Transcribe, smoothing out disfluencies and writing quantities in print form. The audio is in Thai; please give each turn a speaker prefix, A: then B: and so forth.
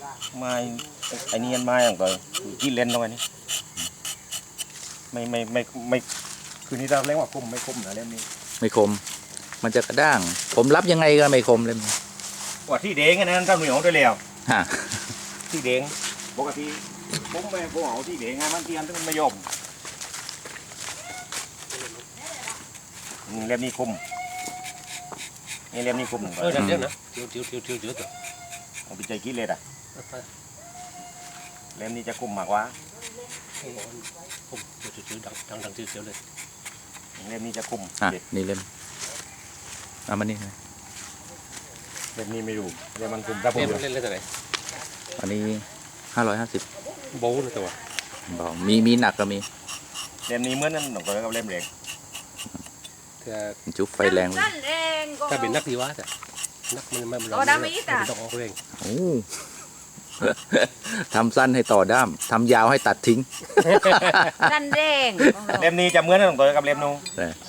A: ไม้ไอ้นี่ไม้ของตัวที่เล่นตรงนี้ไม่คือนี่เราเรียกว่าคมไม่คมนะเล่มนี้
B: ไม่คมมันจะกระด้างผมรับยังไงก็ไม่คมเลย
A: ว่าที่เด้งอันนั้นเจ้าหนุ่ยของตัวเลี้ยว
B: ฮะ
A: ที่เด้งปกติผมไม่ผมเอาที่เด้งไงมันเทียนมันไม่ยอมเล่มนี้คมนี่เล่มนี้คมหนึ่ง
C: เดี๋ยวนะเดี๋ยวต่อ
A: เอาไปใจกินเลยอ่ะเล่มนี้จะคมมากกว่า
C: ผมเดี๋ยวดังเดี๋ยวเลย
A: เล่มนี้จะคม
B: อ่ะนี่เล่มเอามานี่
A: เล่มนี้ไม่รู้เล่มมันคมถ้าผม
C: เล่นอะไร
B: อันนี้550
C: โบ้นะตัว
B: บอกมีหนักก็มี
A: เล่มนี้เหมือนนั่นหนูก็กับเล่มเล็ก
B: จุ๊บไฟแรงเลย
C: ถ้าเป็นนักดีวะแต่นักมันต้องออกเอง
B: โอ้ ทำสั้นให้ต่อด้ามทำยาวให้ตัดทิ้ง
D: นั่นแดง
A: เล่มนี้จะเหมือนนั่นหนูก็กับเล่มนู้น
B: แต่